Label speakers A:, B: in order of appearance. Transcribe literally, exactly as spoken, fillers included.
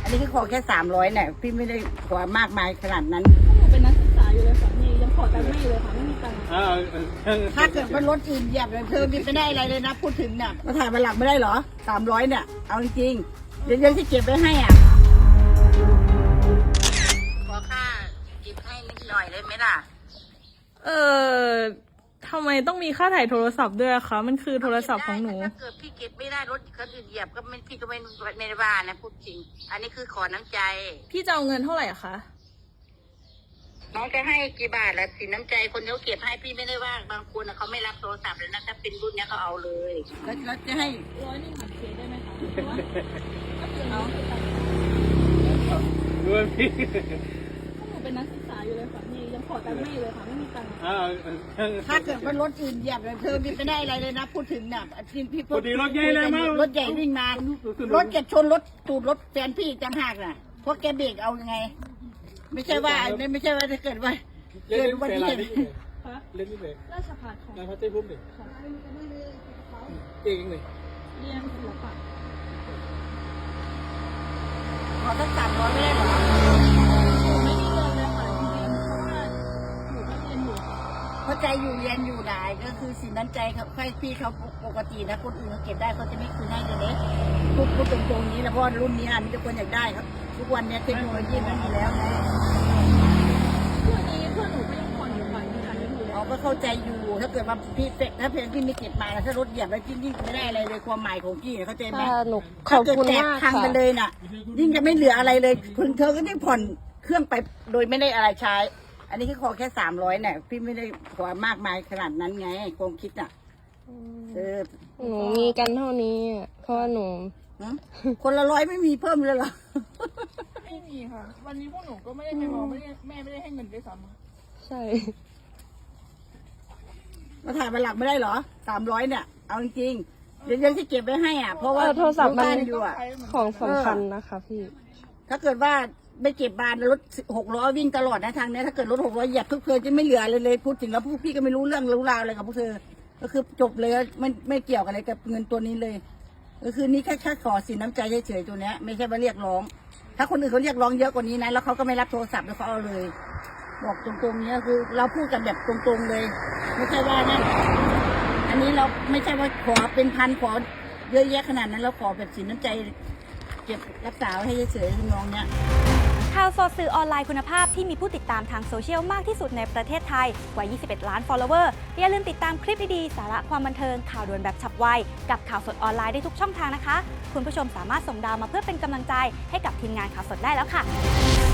A: อันนี้คือขอแค่สามร้อยเนี่ยพี่ไม่ได้ขอมากมายขนาดนั้น
B: หนูเป็นนักศึกษาอยู่เลยค่ะพี่ยังขอตังค์แม่อยู่เลยค่ะไม่มีตังค์
A: ถ้าเกิดว่ารถอื่นเหยียบเลยเธอมีไม่ได้อะไรเลยนะพูดถึงเนี่ยมาถ่ายมาหลังไม่ได้เหรอสามร้อยเนี่ยเอาจริงๆเดี๋ยวยังที่เก็บไว้ให้อ่ะขอค่าเก็บให้นิดหน่อยได้ไหมล่ะ
B: เออทำไมต้องมีค่าถ่ายโทรศัพท์ด้วยคะมันคือโทรศัพท์ของหนู
A: ถ้าเกิดพี่เก็บไม่ได้รถคนอื่นเหยียบก็ไม่พี่ก็ไม่ไม่ได้ว่านะพูดจริงอันนี้คือขอน้ำใจ
B: พี่จะเอาเงินเท่าไหร่คะ
A: น้องจะให้กี่บาทละสินน้ำใจคนเขาเก็บให้พี่ไม่ได้ว่าบางคนเขาไม่รับโทรศัพท์เลยนะถ้าเป็นรุ่นนี้เขาเอาเลยแล้วแล้วจะให้
B: ร้อยหนึ่งหักเคได้ไหมคะเพราะว่าก็คือน้อง
C: ด้วยพี่
B: หนูเป็นนักศึกษาอยู่เลยค่ะพี่ยังขอตังค์แม่อยู่เลยค่ะไม่มีตังค์
A: ถ้าเกิดว่ารถอื่นเหยียบเลยเธอมีไม่ได้อะไรเลยนะพูดถึงเนี่ยพี่พี่
C: พอดีรถใหญ่เลยมั้ง
A: รถใหญ่วิ่งมารถจะชนรถตูดรถแฟนพี่จังหักน่ะเพราะแกเบรกเอายังไงไม่ใช่ว่าไม่ใช่ว่าถ้าเกิดว่าเกิดอุบัติเหตุ
C: เล่นนี่เลย
B: ราชภัฏค่ะ
C: นายพัชเต้พุ่มดิเก่งเลย
B: เรียนศิลปะ
A: ขอสักสามร้อยไม่ได้หรอ
B: ไม่ได้เงินเลยค่ะจริงๆเพราะว่าหนูก็เรียนอยู่
A: เข้าใจอยู่เรียนอยู่ได้ก็คือสินน้ำใจเขาให้พี่เขาปกตินะคนอื่นเขาเก็บได้เขาจะไม่คืนให้เลยพูดพูดตรงๆนี้แล้วเพราะรุ่นนี้อันทุกคนอยากได้ครับทุกวันนี้เทคโนโลยีมันมีแล้วไง
B: เพื่อนนี้เพื่อนหนูก็ยังผ่อนอยู่ค่ะยังจ่ายไม่หมดเลย
A: เขาก็เข้าใจอยู่ถ้าเกิดว่าพี่เฟกถ้าเพลงพี่ไม่เก็บมาถ้ารถเหยียบแล้วยิ่งไม่ได้อะไรเลยความหมายของพี่เข้าใจไหม
B: ขอบคุณมาก
A: ค่ะพังไปเลยน่ะยิ่งจะไม่เหลืออะไรเลยคุณเธอก็ยิ่งผ่อนเครื่องไปโดยไม่ได้อะไรใช้อันนี้คือขอแค่สามร้อยเนี่ยพี่ไม่ได้ขอมากมายขนาดนั้นไงความคิดน่ะเออ
B: หนูมีกันเท่านี้เพราะว่าหนู
A: คนละร้อยไม่มีเพิ่มเลยเหรอ
B: ไม่มีค่ะวันนี้พวกหนูก็ไม่ได้ไปมองไม่ได้แม่ไม่ได้ให้เงินด้วยซ้ำใช่
A: มาถ่ายมาหลังไม่ได้เหรอสามร้อยเนี่ยเอาจริงๆเดี๋ยวยังที่เก็บไว้ให้อ่ะเพราะว่า
B: โทรศัพท์มัน
A: อยู่อ่ะ
B: ของสำคัญนะคะพี่
A: ถ้าเกิดว่าไม่เก็บบานรถหกล้อวิ่งตลอดนะทางนี้ถ้าเกิดรถหกล้อเหยียบทุกเธอจะไม่เหลือเลยเลยพูดถึงแล้วพวกพี่ก็ไม่รู้เรื่องรู้ราวอะไรกับพวกเธอก็คือจบเลยไม่ไม่เกี่ยวกันอะไรกับเงินตัวนี้เลยก็คือนี่แค่แค่ขอสินน้ำใจเฉยๆตัวเนี้ยไม่ใช่ว่าเรียกร้องถ้าคนอื่นเขาเรียกร้องเยอะกว่านี้นะแล้วเขาก็ไม่รับโทรศัพท์แล้วเขาเอาเลยบอกตรงๆเนี้ยคือเราพูดกันแบบตรงๆเลยไม่ใช่ว่านั่นอันนี้เราไม่ใช่ว่าขอเป็นพันขอเยอะแยะขนาดนั้นเราขอแบบสินน้ำใจเก็บรักษาไว้ให้เฉยๆน้องเนี้ย
D: ข่าวสดสื่อออนไลน์คุณภาพที่มีผู้ติดตามทางโซเชียลมากที่สุดในประเทศไทยกว่ายี่สิบเอ็ดล้าน follower อย่าลืมติดตามคลิปดีๆสาระความบันเทิงข่าวด่วนแบบฉับไวกับข่าวสดออนไลน์ได้ทุกช่องทางนะคะคุณผู้ชมสามารถส่งดาวมาเพื่อเป็นกำลังใจให้กับทีมงานข่าวสดได้แล้วค่ะ